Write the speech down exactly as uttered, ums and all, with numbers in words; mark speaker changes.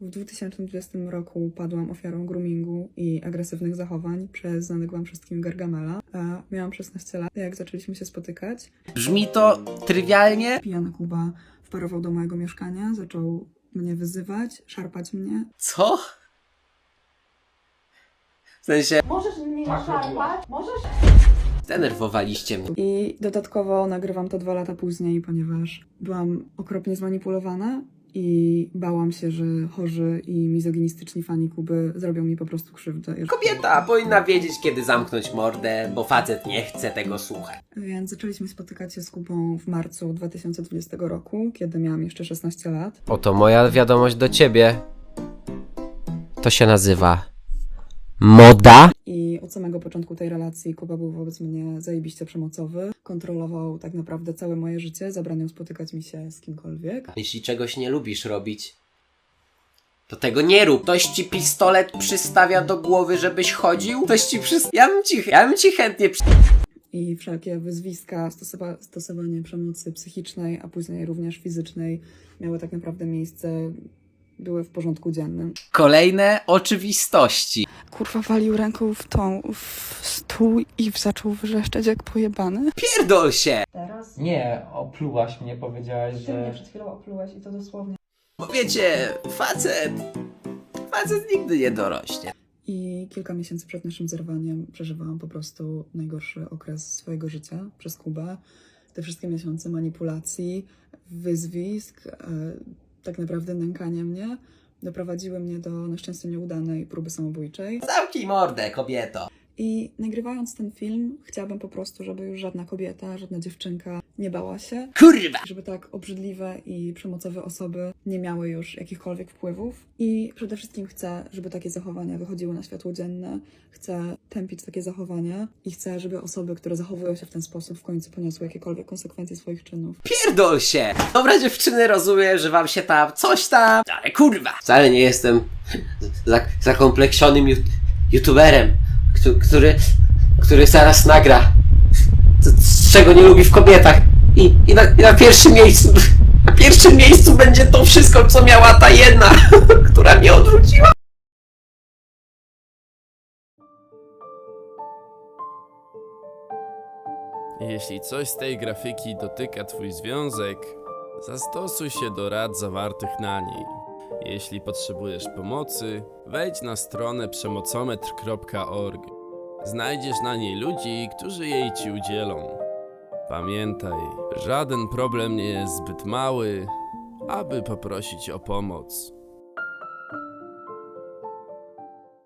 Speaker 1: W dwa tysiące dwudziestym roku padłam ofiarą groomingu i agresywnych zachowań przez znanego wam wszystkim Gargamela. A miałam szesnaście lat, jak zaczęliśmy się spotykać.
Speaker 2: Brzmi to trywialnie.
Speaker 1: Pijany Kuba wparował do mojego mieszkania, zaczął mnie wyzywać, szarpać mnie.
Speaker 2: Co? W sensie,
Speaker 3: Możesz mnie szarpać? Możesz?
Speaker 2: zdenerwowaliście mnie.
Speaker 1: I dodatkowo nagrywam to dwa lata później, ponieważ byłam okropnie zmanipulowana i bałam się, że chorzy i mizoginistyczni fani Kuby zrobią mi po prostu krzywdę.
Speaker 2: Kobieta powinna wiedzieć, kiedy zamknąć mordę, bo facet nie chce tego słuchać.
Speaker 1: Więc zaczęliśmy spotykać się z Kubą w marcu dwa tysiące dwudziestego roku, kiedy miałam jeszcze szesnaście lat.
Speaker 2: Oto moja wiadomość do ciebie. To się nazywa moda.
Speaker 1: I od samego początku tej relacji Kuba był wobec mnie zajebiście przemocowy. Kontrolował tak naprawdę całe moje życie, zabraniał spotykać mi się z kimkolwiek.
Speaker 2: Jeśli czegoś nie lubisz robić, to tego nie rób. Ktoś ci pistolet przystawia do głowy, żebyś chodził? Ktoś ci przystawia... Ja bym ci, ja bym ci chętnie przy...
Speaker 1: I wszelkie wyzwiska, stosowa- stosowanie przemocy psychicznej, a później również fizycznej miały tak naprawdę miejsce, były w porządku dziennym.
Speaker 2: Kolejne oczywistości.
Speaker 1: Kurwa walił ręką w tą, w stół i zaczął wrzeszczeć jak pojebany.
Speaker 2: Pierdol się!
Speaker 3: Teraz?
Speaker 4: Nie, oplułaś mnie, powiedziałaś,
Speaker 1: Ty mnie
Speaker 4: że...
Speaker 1: przed chwilą oplułeś i to dosłownie.
Speaker 2: Bo wiecie, facet... Facet nigdy nie dorośnie.
Speaker 1: I kilka miesięcy przed naszym zerwaniem przeżywałam po prostu najgorszy okres swojego życia przez Kubę. Te wszystkie miesiące manipulacji, wyzwisk, e, tak naprawdę nękania mnie doprowadziły mnie do na szczęście nieudanej próby samobójczej.
Speaker 2: Zamknij mordę, kobieto.
Speaker 1: I nagrywając ten film, chciałabym po prostu, żeby już żadna kobieta, żadna dziewczynka nie bała się.
Speaker 2: Kurwa!
Speaker 1: Żeby tak obrzydliwe i przemocowe osoby nie miały już jakichkolwiek wpływów. I przede wszystkim chcę, żeby takie zachowania wychodziły na światło dzienne. Chcę tępić takie zachowania i chcę, żeby osoby, które zachowują się w ten sposób, w końcu poniosły jakiekolwiek konsekwencje swoich czynów.
Speaker 2: Pierdol się! Dobra dziewczyny, rozumiem, że wam się tam coś tam... Ale kurwa! Wcale nie jestem zak zakompleksionym ju youtuberem, który, który, który zaraz nagra z, z czego nie lubi w kobietach. I, i, na, i na pierwszym miejscu... Na pierwszym miejscu będzie to wszystko, co miała ta jedna, która mnie odrzuciła.
Speaker 5: Jeśli coś z tej grafiki dotyka twój związek, zastosuj się do rad zawartych na niej. Jeśli potrzebujesz pomocy, wejdź na stronę przemocometr kropka org. Znajdziesz na niej ludzi, którzy jej ci udzielą. Pamiętaj, żaden problem nie jest zbyt mały, aby poprosić o pomoc.